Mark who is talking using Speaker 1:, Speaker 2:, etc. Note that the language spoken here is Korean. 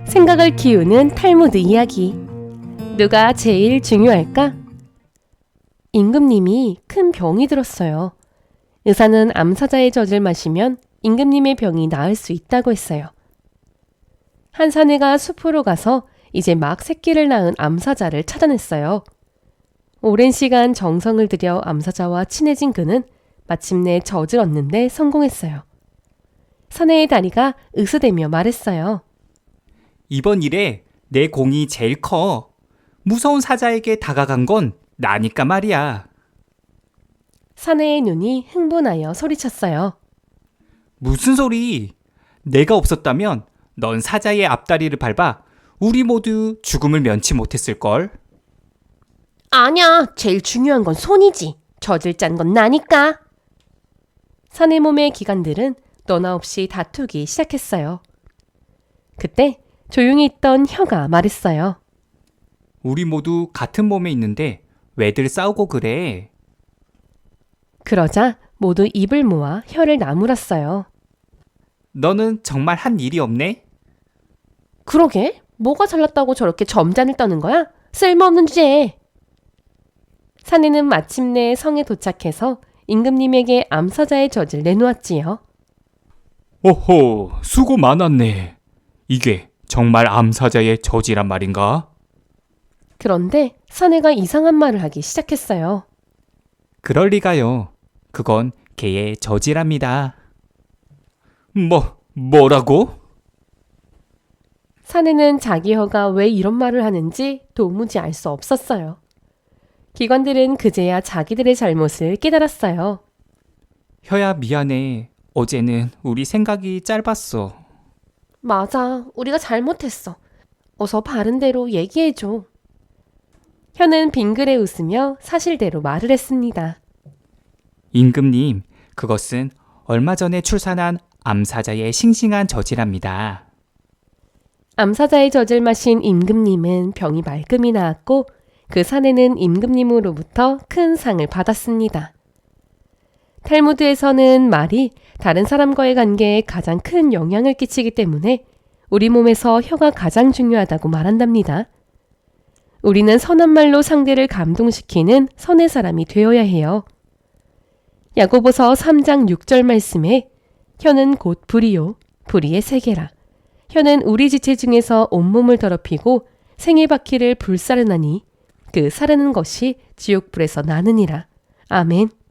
Speaker 1: 생각을 키우는 탈무드 이야기. 누가 제일 중요할까? 임금님이 큰 병이 들었어요. 의사는 암사자의 젖을 마시면 임금님의 병이 나을 수 있다고 했어요. 한 사내가 숲으로 가서 이제 막 새끼를 낳은 암사자를 찾아냈어요. 오랜 시간 정성을 들여 암사자와 친해진 그는 마침내 젖을 얻는데 성공했어요. 사내의 다리가 으스대며 말했어요.
Speaker 2: 이번 일에 내 공이 제일 커. 무서운 사자에게 다가간 건 나니까 말이야.
Speaker 1: 사내의 눈이 흥분하여 소리쳤어요.
Speaker 2: 무슨 소리? 내가 없었다면 넌 사자의 앞다리를 밟아 우리 모두 죽음을 면치 못했을걸?
Speaker 1: 아니야, 제일 중요한 건 손이지. 젖을 짠 건 나니까. 사내 몸의 기관들은 너나 없이 다투기 시작했어요. 그때 조용히 있던 혀가 말했어요.
Speaker 2: 우리 모두 같은 몸에 있는데 왜들 싸우고 그래?
Speaker 1: 그러자 모두 입을 모아 혀를 나무랐어요.
Speaker 2: 너는 정말 한 일이 없네?
Speaker 1: 그러게? 뭐가 잘났다고 저렇게 점잔을 떠는 거야? 쓸모없는 주제에. 사내는 마침내 성에 도착해서 임금님에게 암사자의 젖을 내놓았지요.
Speaker 2: 오호, 수고 많았네. 이게 정말 암사자의 젖이란 말인가?
Speaker 1: 그런데 사내가 이상한 말을 하기 시작했어요.
Speaker 2: 그럴 리가요. 그건 개의 젖이랍니다. 뭐라고?
Speaker 1: 사내는 자기 혀가 왜 이런 말을 하는지 도무지 알 수 없었어요. 기관들은 그제야 자기들의 잘못을 깨달았어요.
Speaker 2: 혀야 미안해. 어제는 우리 생각이 짧았어.
Speaker 1: 맞아, 우리가 잘못했어. 어서 바른 대로 얘기해줘. 혀는 빙그레 웃으며 사실대로 말을 했습니다.
Speaker 2: 임금님, 그것은 얼마 전에 출산한 암사자의 싱싱한 젖이랍니다.
Speaker 1: 암사자의 젖을 마신 임금님은 병이 말끔히 나았고 그 사내는 임금님으로부터 큰 상을 받았습니다. 탈무드에서는 말이 다른 사람과의 관계에 가장 큰 영향을 끼치기 때문에 우리 몸에서 혀가 가장 중요하다고 말한답니다. 우리는 선한 말로 상대를 감동시키는 선의 사람이 되어야 해요. 야고보서 3장 6절 말씀에 혀는 곧 불이요 불의의 세계라. 혀는 우리 지체 중에서 온몸을 더럽히고 생의 바퀴를 불사르나니 그 사르는 것이 지옥불에서 나느니라. 아멘.